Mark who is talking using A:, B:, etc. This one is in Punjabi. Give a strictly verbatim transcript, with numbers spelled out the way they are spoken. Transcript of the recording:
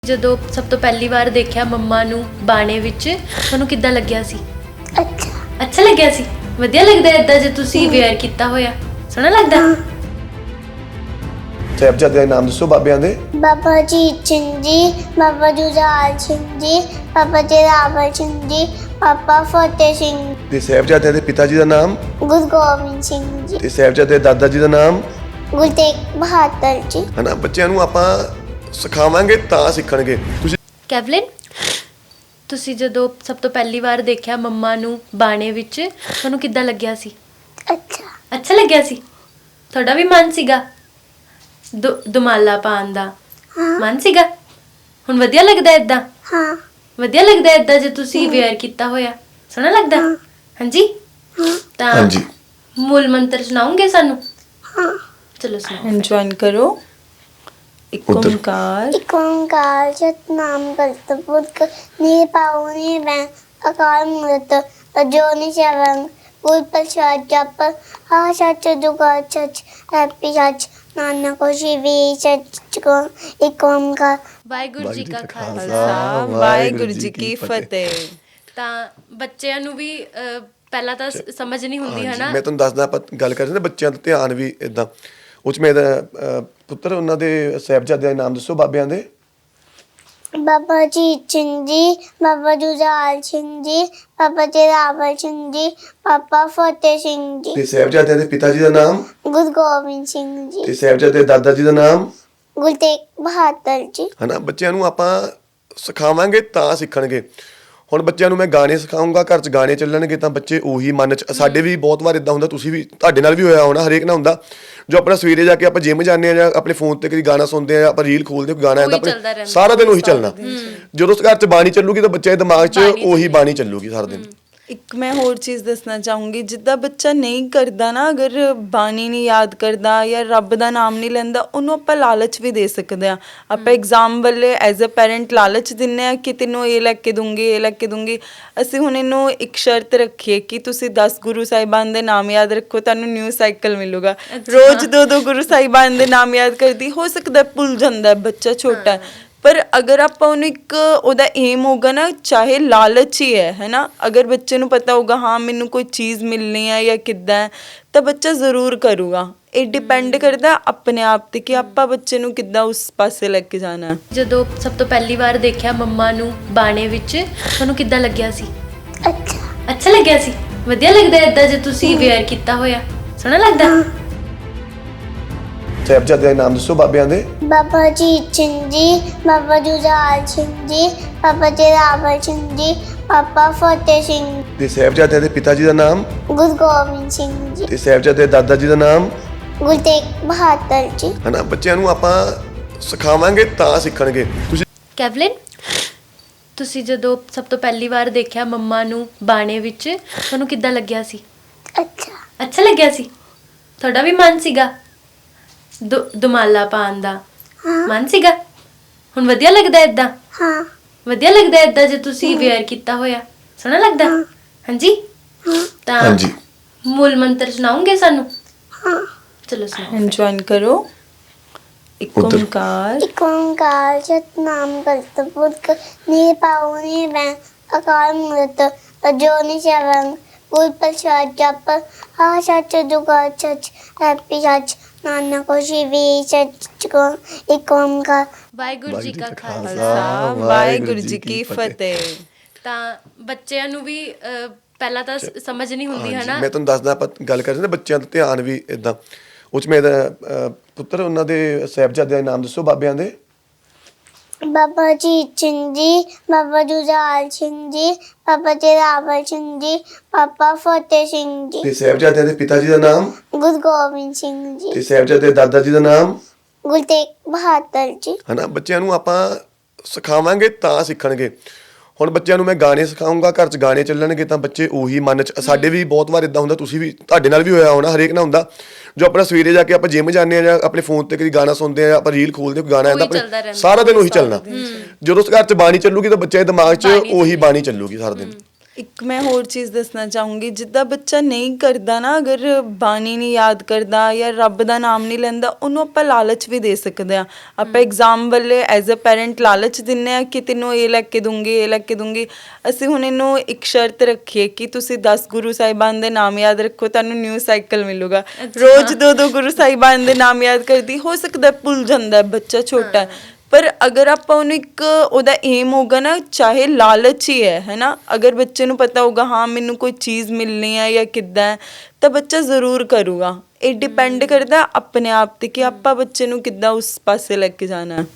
A: ਜਦੋਂ ਸਭ ਤੋਂ ਪਹਿਲੀ ਵਾਰ ਦੇਖਿਆ ਮੰਮਾ ਨੂੰ ਬਾਣੇ ਵਿੱਚ ਤੁਹਾਨੂੰ ਕਿੱਦਾਂ ਲੱਗਿਆ ਸੀ?
B: ਅੱਛਾ
A: ਅੱਛਾ ਲੱਗਿਆ ਸੀ? ਵਧੀਆ ਲੱਗਦਾ ਇਦਾਂ ਜੇ ਤੁਸੀਂ ਵੇਅਰ ਕੀਤਾ ਹੋਇਆ? ਸੋਹਣਾ ਲੱਗਦਾ?
C: ਸਾਹਿਬਜ਼ਾਦੇ ਦੇ ਨਾਮ ਦੱਸੋ ਬਾਬਿਆਂ ਦੇ।
B: ਬਾਬਾ ਅਜੀਤ ਸਿੰਘ ਜੀ, ਬਾਬਾ ਜੁਝਾਰ ਸਿੰਘ ਜੀ, ਬਾਬਾ ਜੋਰਾਵਰ ਸਿੰਘ ਜੀ, ਬਾਬਾ ਫਤਿਹ ਸਿੰਘ,
C: ਤੇ ਸਾਹਿਬਜ਼ਾਦਿਆਂ ਦੇ ਪਿਤਾ ਜੀ ਦਾ ਨਾਮ
B: ਗੁਰੂ ਗੋਬਿੰਦ ਸਿੰਘ ਜੀ,
C: ਤੇ ਸਾਹਿਬਜ਼ਾਦੇ ਦੇ ਦਾਦਾ ਜੀ ਦਾ ਨਾਮ
B: ਗੁਰੂ ਤੇਗ ਬਹਾਦਰ ਜੀ।
C: ਹਨਾ। ਬੱਚਿਆਂ ਨੂੰ ਆਪਾਂ ਸਿਖਾਵਾਂਗੇ ਤਾਂ ਸਿੱਖਣਗੇ। ਤੁਸੀਂ
A: ਕੈਵਲਿਨ, ਤੁਸੀਂ ਜਦੋਂ ਸਭ ਤੋਂ ਪਹਿਲੀ ਵਾਰ ਦੇਖਿਆ ਮੰਮਾ ਨੂੰ ਬਾਣੇ ਵਿੱਚ ਤੁਹਾਨੂੰ ਕਿੱਦਾਂ ਲੱਗਿਆ ਸੀ?
B: ਅੱਛਾ
A: ਅੱਛਾ ਲੱਗਿਆ ਸੀ? ਤੁਹਾਡਾ ਵੀ ਮਨ ਸੀਗਾ ਦੁ- ਦੁਮਾਲਾ ਪਾਉਣ ਦਾ?
B: ਹਾਂ
A: ਮਨ ਸੀਗਾ? ਹੁਣ ਵਧੀਆ ਲੱਗਦਾ ਇਦਾਂ?
B: ਹਾਂ
A: ਵਧੀਆ ਲੱਗਦਾ ਇਦਾਂ ਜੇ ਤੁਸੀਂ ਵੇਅਰ ਕੀਤਾ ਹੋਇਆ? ਸੋਹਣਾ ਲੱਗਦਾ? ਹਾਂਜੀ। ਤਾਂ
C: ਹਾਂਜੀ
A: ਮੂਲ ਮੰਤਰ ਸੁਣਾਉਂਗੇ ਸਾਨੂੰ?
B: ਹਾਂ
A: ਚਲੋ ਸੁਣਾਓ।
D: एंजॉय करो। एक
C: उधर।
D: ओंकार
B: ਇੱਕ ਓੰਕਾਰ ਸਤਿਨਾਮ ਕਰਤਾ ਪੁਰਖ ਨਿਰਭਉ ਨਿਰਵੈਰ ਅਕਾਲ ਮੂਰਤ ਅਜੂਨੀ ਸੈਭੰ ਗੁਰ ਪ੍ਰਸਾਦ ਜਪ ਆ ਸੱਚ ਜੁਗਾ ਸੱਚ ਹੈਪੀ ਸੱਚ ਨਾਨਕ ਹੋਸੀ ਵੀ ਸੱਚ ਕੋ ਇੱਕ ਓੰਕਾਰ।
A: ਵਾਹਿਗੁਰੂ ਜੀ ਕਾ ਖਾਲਸਾ।
D: खालसा वाहिगुरु जी की फतेह।
A: ਤਾਂ ਬੱਚਿਆਂ ਨੂੰ ਵੀ ਅਹ, ਪਹਿਲਾਂ ਤਾਂ ਸ- ਸਮਝ ਨਹੀਂ ਹੁੰਦੀ ਹੈ
C: ਹਾਂਜੀ,
A: ਨਾ।
C: ਮੈਂ ਤੁਹਾਨੂੰ ਦੱਸਦਾ। ਆਪਾਂ ਗੱਲ ਕਰ ਰਹੇ ਨਾ ਬੱਚਿਆਂ ਦਾ ਧਿਆਨ ਵੀ ਇਦਾਂ। ਉਹ 'ਚ ਮੇਰਾ ਅਹ, ਪੁੱਤਰ ਉਹਨਾਂ ਦੇ ਸਾਹਿਬਜ਼ਾਦਿਆਂ ਦੇ ਨਾਮ ਦੱਸੋ ਬਾਬਿਆਂ ਦੇ।
B: ਬਾਬਾ ਅਜੀਤ ਸਿੰਘ ਜੀ, ਬਾਬਾ ਜੁਝਾਰ ਸਿੰਘ ਜੀ, ਬਾਬਾ ਜੋਰਾਵਰ ਸਿੰਘ ਜੀ, ਬਾਬਾ ਫਤਿਹ ਸਿੰਘ ਜੀ,
C: ਤੇ ਸਾਹਿਬਜ਼ਾਦਿਆਂ ਦੇ ਪਿਤਾ ਜੀ ਦਾ ਨਾਮ
B: ਗੁਰੂ ਗੋਬਿੰਦ ਸਿੰਘ ਜੀ,
C: ਤੇ ਸਾਹਿਬਜ਼ਾਦੇ ਦੇ ਦਾਦਾ ਜੀ ਦਾ ਨਾਮ
B: ਗੁਰੂ ਤੇਗ ਬਹਾਦਰ ਜੀ।
C: ਹਨਾ। ਬੱਚਿਆਂ ਨੂੰ ਆਪਾਂ ਸਿਖਾਵਾਂਗੇ ਤਾਂ ਸਿੱਖਣਗੇ। ਹੁਣ ਬੱਚਿਆਂ ਨੂੰ ਮੈਂ ਗਾਣੇ ਸਿਖਾਉਂਗਾ, ਘਰ 'ਚ ਗਾਣੇ ਚੱਲਣਗੇ ਤਾਂ ਬੱਚੇ ਉਹੀ ਮਨ 'ਚ। ਸਾਡੇ ਵੀ ਬਹੁਤ ਵਾਰ ਇਦਾਂ ਹੁੰਦਾ, ਤੁਸੀਂ ਵੀ, ਤੁਹਾਡੇ ਨਾਲ ਵੀ ਹੋਇਆ ਹੋਣਾ, ਹਰੇਕ ਨਾਲ ਹੁੰਦਾ। ਜੋ ਆਪਣਾ ਸਵੇਰੇ ਜਾ ਕੇ ਆਪਾਂ ਜਿਮ ਜਾਂਦੇ ਆ ਜਾਂ ਆਪਣੇ ਫੋਨ ਤੇ ਕਦੀ ਗਾਣਾ ਸੁਣਦੇ ਆ, ਆਪਾਂ ਰੀਲ ਖੋਲਦੇ ਕੋਈ ਗਾਣਾ ਆਉਂਦਾ,
A: ਉਹੀ ਚੱਲਦਾ
C: ਆਪਣੇ
A: ਰਹਿੰਦਾ।
C: ਸਾਰਾ ਦਿਨ ਉਹੀ ਚੱਲਣਾ। ਜਦੋਂ ਘਰ 'ਚ ਬਾਣੀ ਚੱਲੂਗੀ ਤਾਂ ਬੱਚੇ ਦੇ ਦਿਮਾਗ 'ਚ ਉਹੀ ਬਾਣੀ ਚੱਲੂਗੀ ਸਾਰਾ ਦਿਨ।
D: ਇੱਕ ਮੈਂ ਹੋਰ ਚੀਜ਼ ਦੱਸਣਾ ਚਾਹੂੰਗੀ, ਜਿੱਦਾਂ ਬੱਚਾ ਨਹੀਂ ਕਰਦਾ ਨਾ, ਅਗਰ ਬਾਣੀ ਨਹੀਂ ਯਾਦ ਕਰਦਾ ਜਾਂ ਰੱਬ ਦਾ ਨਾਮ ਨਹੀਂ ਲੈਂਦਾ, ਉਹਨੂੰ ਆਪਾਂ ਲਾਲਚ ਵੀ ਦੇ ਸਕਦੇ ਹਾਂ। ਆਪਾਂ ਐਗਜ਼ਾਮ ਵੇਲੇ ਐਜ਼ ਅ ਪੈਰੈਂਟ ਲਾਲਚ ਦਿੰਦੇ ਹਾਂ ਕਿ ਤੈਨੂੰ ਇਹ ਲੈ ਕੇ ਦੂੰਗੀ, ਇਹ ਲੈ ਕੇ ਦੂੰਗੀ। ਅਸੀਂ ਹੁਣ ਇਹਨੂੰ ਇੱਕ ਸ਼ਰਤ ਰੱਖੀਏ ਕਿ ਤੁਸੀਂ ਦਸ ਗੁਰੂ ਸਾਹਿਬਾਨ ਦੇ ਨਾਮ ਯਾਦ ਰੱਖੋ, ਤੁਹਾਨੂੰ ਨਿਊ ਸਾਈਕਲ ਮਿਲੂਗਾ। ਰੋਜ਼ ਦੋ ਦੋ ਗੁਰੂ ਸਾਹਿਬਾਨ ਦੇ ਨਾਮ ਯਾਦ ਕਰਦੀ, ਹੋ ਸਕਦਾ ਭੁੱਲ ਜਾਂਦਾ, ਬੱਚਾ ਛੋਟਾ ਹੈ। ਪਰ ਅਗਰ ਆਪਾਂ ਉਹਨੂੰ ਇੱਕ ਉਹਦਾ ਏਮ ਹੋਗਾ ਨਾ, ਚਾਹੇ ਲਾਲਚ ਹੀ ਹੈ ਹੈ ਨਾ, ਅਗਰ ਬੱਚੇ ਨੂੰ ਪਤਾ ਹੋਗਾ ਹਾਂ ਮੈਨੂੰ ਕੋਈ ਚੀਜ਼ ਮਿਲਣੀ ਹੈ ਜਾਂ ਕਿੱਦਾਂ ਹੈ, ਤਾਂ ਬੱਚਾ ਜ਼ਰੂਰ ਕਰੂਗਾ। ਇਹ ਡਿਪੈਂਡ ਕਰਦਾ ਆਪਣੇ ਆਪ ਤੇ ਕਿ ਆਪਾਂ ਬੱਚੇ ਨੂੰ ਕਿੱਦਾਂ ਉਸ ਪਾਸੇ ਲੈ ਕੇ ਜਾਣਾ।
A: ਜਦੋਂ ਸਭ ਤੋਂ ਪਹਿਲੀ ਵਾਰ ਦੇਖਿਆ ਮੰਮਾ ਨੂੰ ਬਾਣੇ ਵਿੱਚ ਤੁਹਾਨੂੰ ਕਿੱਦਾਂ ਲੱਗਿਆ ਸੀ?
B: ਅੱਛਾ
A: ਅੱਛਾ ਲੱਗਿਆ ਸੀ? ਵਧੀਆ ਲੱਗਦਾ ਇਦਾਂ ਜੇ ਤੁਸੀਂ ਵੇਅਰ ਕੀਤਾ ਹੋਇਆ? ਸੋਹਣਾ ਲੱਗਦਾ?
C: ਸਾਹਿਬਜ਼ਾਦੇ ਦੇ ਨਾਮ ਦੱਸੋ ਬਾਬਿਆਂ ਦੇ।
B: ਬਾਬਾ ਅਜੀਤ ਸਿੰਘ ਜੀ, ਬਾਬਾ ਜੁਝਾਰ ਸਿੰਘ ਜੀ, ਬਾਬਾ ਜੋਰਾਵਰ ਸਿੰਘ ਜੀ, ਬਾਬਾ ਫਤਿਹ ਸਿੰਘ,
C: ਤੇ ਸਾਹਿਬਜ਼ਾਦਿਆਂ ਦੇ ਪਿਤਾ ਜੀ ਦਾ ਨਾਮ
B: ਗੁਰੂ ਗੋਬਿੰਦ ਸਿੰਘ ਜੀ,
C: ਤੇ ਸਾਹਿਬਜ਼ਾਦੇ ਦੇ ਦਾਦਾ ਜੀ ਦਾ ਨਾਮ
B: ਗੁਰੂ ਤੇਗ ਬਹਾਦਰ ਜੀ।
C: ਹਨਾ। ਬੱਚਿਆਂ ਨੂੰ ਆਪਾਂ ਸਿਖਾਵਾਂਗੇ ਤਾਂ ਸਿੱਖਣਗੇ। ਤੁਸੀਂ
A: ਕੈਵਲਿਨ, ਤੁਸੀਂ ਜਦੋਂ ਸਭ ਤੋਂ ਪਹਿਲੀ ਵਾਰ ਦੇਖਿਆ ਮੰਮਾ ਨੂੰ ਬਾਣੇ ਵਿੱਚ ਤੁਹਾਨੂੰ ਕਿੱਦਾਂ ਲੱਗਿਆ ਸੀ?
B: ਅੱਛਾ
A: ਅੱਛਾ ਲੱਗਿਆ ਸੀ? ਤੁਹਾਡਾ ਵੀ ਮਨ ਸੀਗਾ ਦੁ- ਦੁਮਾਲਾ ਪਾਉਣ ਦਾ?
B: ਹਾਂ
A: ਮਨ ਸੀਗਾ? ਹੁਣ ਵਧੀਆ ਲੱਗਦਾ ਇਦਾਂ?
B: ਹਾਂ
A: ਵਧੀਆ ਲੱਗਦਾ ਇਦਾਂ ਜੇ ਤੁਸੀਂ ਵੇਅਰ ਕੀਤਾ ਹੋਇਆ? ਸੋਹਣਾ ਲੱਗਦਾ? ਹਾਂਜੀ। ਤਾਂ
C: ਹਾਂਜੀ
A: ਮੂਲ ਮੰਤਰ ਸੁਣਾਉਂਗੇ ਸਾਨੂੰ?
B: ਹਾਂ
A: ਚਲੋ ਸੁਣਾਓ।
D: एंजॉय करो। एक
C: उधर।
D: ओंकार
B: ਇੱਕ ਓੰਕਾਰ ਸਤਿਨਾਮ ਕਰਤਾ ਪੁਰਖ ਨਿਰਭਉ ਨਿਰਵੈਰ ਅਕਾਲ ਮੂਰਤ ਅਜੂਨੀ ਸੈਭੰ ਗੁਰ ਪ੍ਰਸਾਦ ਜਪ ਆ ਸੱਚ ਜੁਗਾ ਸੱਚ ਹੈਪੀ ਸੱਚ ਨਾਨਕ ਹੋਸੀ ਵੀ ਸੱਚ ਕੋ ਇੱਕ ਓੰਕਾਰ।
A: ਵਾਹਿਗੁਰੂ ਜੀ ਕਾ ਖਾਲਸਾ।
D: खालसा वाहिगुरु जी की फतेह।
A: ਤਾਂ ਬੱਚਿਆਂ ਨੂੰ ਵੀ ਅਹ, ਪਹਿਲਾਂ ਤਾਂ ਸ- ਸਮਝ ਨਹੀਂ ਹੁੰਦੀ ਹੈ
C: ਹਾਂਜੀ,
A: ਨਾ।
C: ਮੈਂ ਤੁਹਾਨੂੰ ਦੱਸਦਾ। ਆਪਾਂ ਗੱਲ ਕਰ ਰਹੇ ਨਾ ਬੱਚਿਆਂ ਦਾ ਧਿਆਨ ਵੀ ਇਦਾਂ। ਉਹ 'ਚ ਮੇਰਾ ਅਹ, ਪੁੱਤਰ ਉਹਨਾਂ ਦੇ ਸਾਹਿਬਜ਼ਾਦਿਆਂ ਦੇ ਨਾਮ ਦੱਸੋ ਬਾਬਿਆਂ ਦੇ।
B: ਬਾਬਾ ਅਜੀਤ ਸਿੰਘ ਜੀ, ਬਾਬਾ ਜੁਝਾਰ ਸਿੰਘ ਜੀ, ਬਾਬਾ ਜੋਰਾਵਰ ਸਿੰਘ ਜੀ, ਬਾਬਾ ਫਤਿਹ ਸਿੰਘ ਜੀ,
C: ਤੇ ਸਾਹਿਬਜ਼ਾਦਿਆਂ ਦੇ ਪਿਤਾ ਜੀ ਦਾ ਨਾਮ
B: ਗੁਰੂ ਗੋਬਿੰਦ ਸਿੰਘ ਜੀ,
C: ਤੇ ਸਾਹਿਬਜ਼ਾਦੇ ਦੇ ਦਾਦਾ ਜੀ ਦਾ ਨਾਮ
B: ਗੁਰੂ ਤੇਗ ਬਹਾਦਰ ਜੀ।
C: ਹਨਾ। ਬੱਚਿਆਂ ਨੂੰ ਆਪਾਂ ਸਿਖਾਵਾਂਗੇ ਤਾਂ ਸਿੱਖਣਗੇ। ਹੁਣ ਬੱਚਿਆਂ ਨੂੰ ਮੈਂ ਗਾਣੇ ਸਿਖਾਉਂਗਾ, ਘਰ 'ਚ ਗਾਣੇ ਚੱਲਣਗੇ ਤਾਂ ਬੱਚੇ ਉਹੀ ਮਨ 'ਚ। ਸਾਡੇ ਵੀ ਬਹੁਤ ਵਾਰ ਇਦਾਂ ਹੁੰਦਾ, ਤੁਸੀਂ ਵੀ, ਤੁਹਾਡੇ ਨਾਲ ਵੀ ਹੋਇਆ ਹੋਣਾ, ਹਰੇਕ ਨਾਲ ਹੁੰਦਾ। ਜੋ ਆਪਣਾ ਸਵੇਰੇ ਜਾ ਕੇ ਆਪਾਂ ਜਿਮ ਜਾਂਦੇ ਆ ਜਾਂ ਆਪਣੇ ਫੋਨ ਤੇ ਕਦੀ ਗਾਣਾ ਸੁਣਦੇ ਆ, ਆਪਾਂ ਰੀਲ ਖੋਲਦੇ ਕੋਈ ਗਾਣਾ ਆਉਂਦਾ,
A: ਉਹੀ ਚੱਲਦਾ
C: ਆਪਣੇ
A: ਰਹਿੰਦਾ।
C: ਸਾਰਾ ਦਿਨ ਉਹੀ ਚੱਲਣਾ। ਜਦੋਂ ਘਰ 'ਚ ਬਾਣੀ ਚੱਲੂਗੀ ਤਾਂ ਬੱਚੇ ਦੇ ਦਿਮਾਗ 'ਚ ਉਹੀ ਬਾਣੀ ਚੱਲੂਗੀ ਸਾਰਾ ਦਿਨ।
D: ਇੱਕ ਮੈਂ ਹੋਰ ਚੀਜ਼ ਦੱਸਣਾ ਚਾਹੂੰਗੀ, ਜਿੱਦਾਂ ਬੱਚਾ ਨਹੀਂ ਕਰਦਾ ਨਾ, ਅਗਰ ਬਾਣੀ ਨਹੀਂ ਯਾਦ ਕਰਦਾ ਜਾਂ ਰੱਬ ਦਾ ਨਾਮ ਨਹੀਂ ਲੈਂਦਾ, ਉਹਨੂੰ ਆਪਾਂ ਲਾਲਚ ਵੀ ਦੇ ਸਕਦੇ ਆ। ਆਪਾਂ ਐਗਜ਼ਾਮ ਵੇਲੇ ਐਜ਼ ਅ ਪੈਰੈਂਟ ਲਾਲਚ ਦਿੰਨੇ ਆ ਕਿ ਤੈਨੂੰ ਇਹ ਲੈ ਕੇ ਦੂੰਗੀ, ਇਹ ਲੈ ਕੇ ਦੂੰਗੀ। ਅਸੀਂ ਹੁਣ ਇਹਨੂੰ ਇੱਕ ਸ਼ਰਤ ਰੱਖੀਏ ਕਿ ਤੁਸੀਂ ਦਸ ਗੁਰੂ ਸਾਹਿਬਾਨ ਦੇ ਨਾਮ ਯਾਦ ਰੱਖੋ, ਤੁਹਾਨੂੰ ਨਿਊ ਸਾਈਕਲ ਮਿਲੂਗਾ। ਰੋਜ਼ ਦੋ ਦੋ ਗੁਰੂ ਸਾਹਿਬਾਨ ਦੇ ਨਾਮ ਯਾਦ ਕਰਦੀ, ਹੋ ਸਕਦਾ ਭੁੱਲ ਜਾਂਦਾ, ਬੱਚਾ ਛੋਟਾ ਹੈ, ਪਰ ਅਗਰ ਆਪਾਂ ਉਹਨੂੰ ਇੱਕ ਉਹਦਾ ਏਮ ਹੋਗਾ ਨਾ, ਚਾਹੇ ਲਾਲਚ ਹੀ ਹੈ ਹੈ ਨਾ, ਅਗਰ ਬੱਚੇ ਨੂੰ ਪਤਾ ਹੋਗਾ ਹਾਂ ਮੈਨੂੰ ਕੋਈ ਚੀਜ਼ ਮਿਲਣੀ ਹੈ ਜਾਂ ਕਿੱਦਾਂ ਹੈ, ਤਾਂ ਬੱਚਾ ਜ਼ਰੂਰ ਕਰੂਗਾ। ਇਹ ਡਿਪੈਂਡ ਕਰਦਾ ਆਪਣੇ ਆਪ ਤੇ ਕਿ ਆਪਾਂ ਬੱਚੇ ਨੂੰ ਕਿੱਦਾਂ ਉਸ ਪਾਸੇ ਲੈ ਕੇ ਜਾਣਾ ਹੈ।